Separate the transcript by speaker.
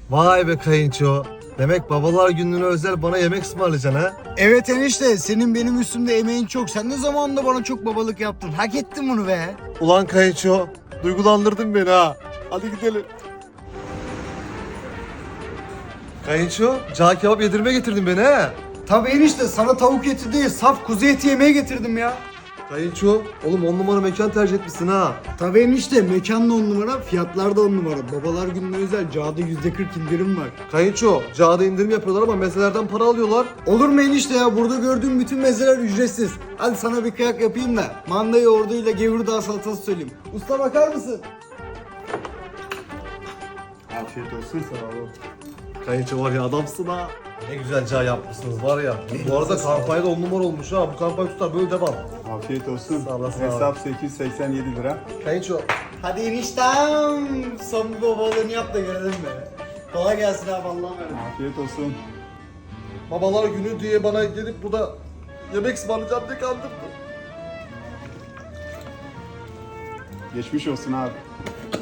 Speaker 1: Vay be kayınço. Demek babalar gününe özel bana yemek ısmarlayacaksın ha?
Speaker 2: Evet enişte, senin benim üstümde emeğin çok. Sen ne zamanında bana çok babalık yaptın. Hak ettin bunu be.
Speaker 1: Ulan kayınço, duygulandırdın beni ha. Hadi gidelim. Kayınço, cağ kebap yedirmeye getirdin beni ha.
Speaker 2: Tabii enişte, sana tavuk eti değil, saf kuzu eti yemeye getirdim ya.
Speaker 1: Kayınço, oğlum 10 numara mekan tercih etmişsin ha.
Speaker 2: Tabii enişte, mekan da 10 numara, fiyatlar da 10 numara. Babalar gününe özel Cağ'da %40 indirim var.
Speaker 1: Kayınço, cağda indirim yapıyorlar ama mezelerden para alıyorlar.
Speaker 2: Olur mu enişte ya? Burada gördüğüm bütün mezeler ücretsiz. Hadi sana bir kıyak yapayım da manda yoğurduyla gevurdağ salatası söyleyeyim. Usta bakar mısın?
Speaker 3: Afiyet olsun.
Speaker 1: Sağ olun. Kayınço var ya adamsın ha. Ne güzel cağ yapmışsınız var ya. Bu arada kampanya da 10 numara olmuş ha. Bu kampanya tutar böyle devam.
Speaker 3: Afiyet olsun.
Speaker 1: Sağ olasın
Speaker 3: Hesap 887 lira.
Speaker 1: Kayınço,
Speaker 2: Hadi eniştem. Son bir babalığını yap da görelim be. Kolay gelsin abi, Allah'ım emanet.
Speaker 3: Afiyet olsun.
Speaker 1: babalar günü diye bana gelip burada yemek ısmarlayacağım diye kandırdı.
Speaker 3: Geçmiş olsun abi.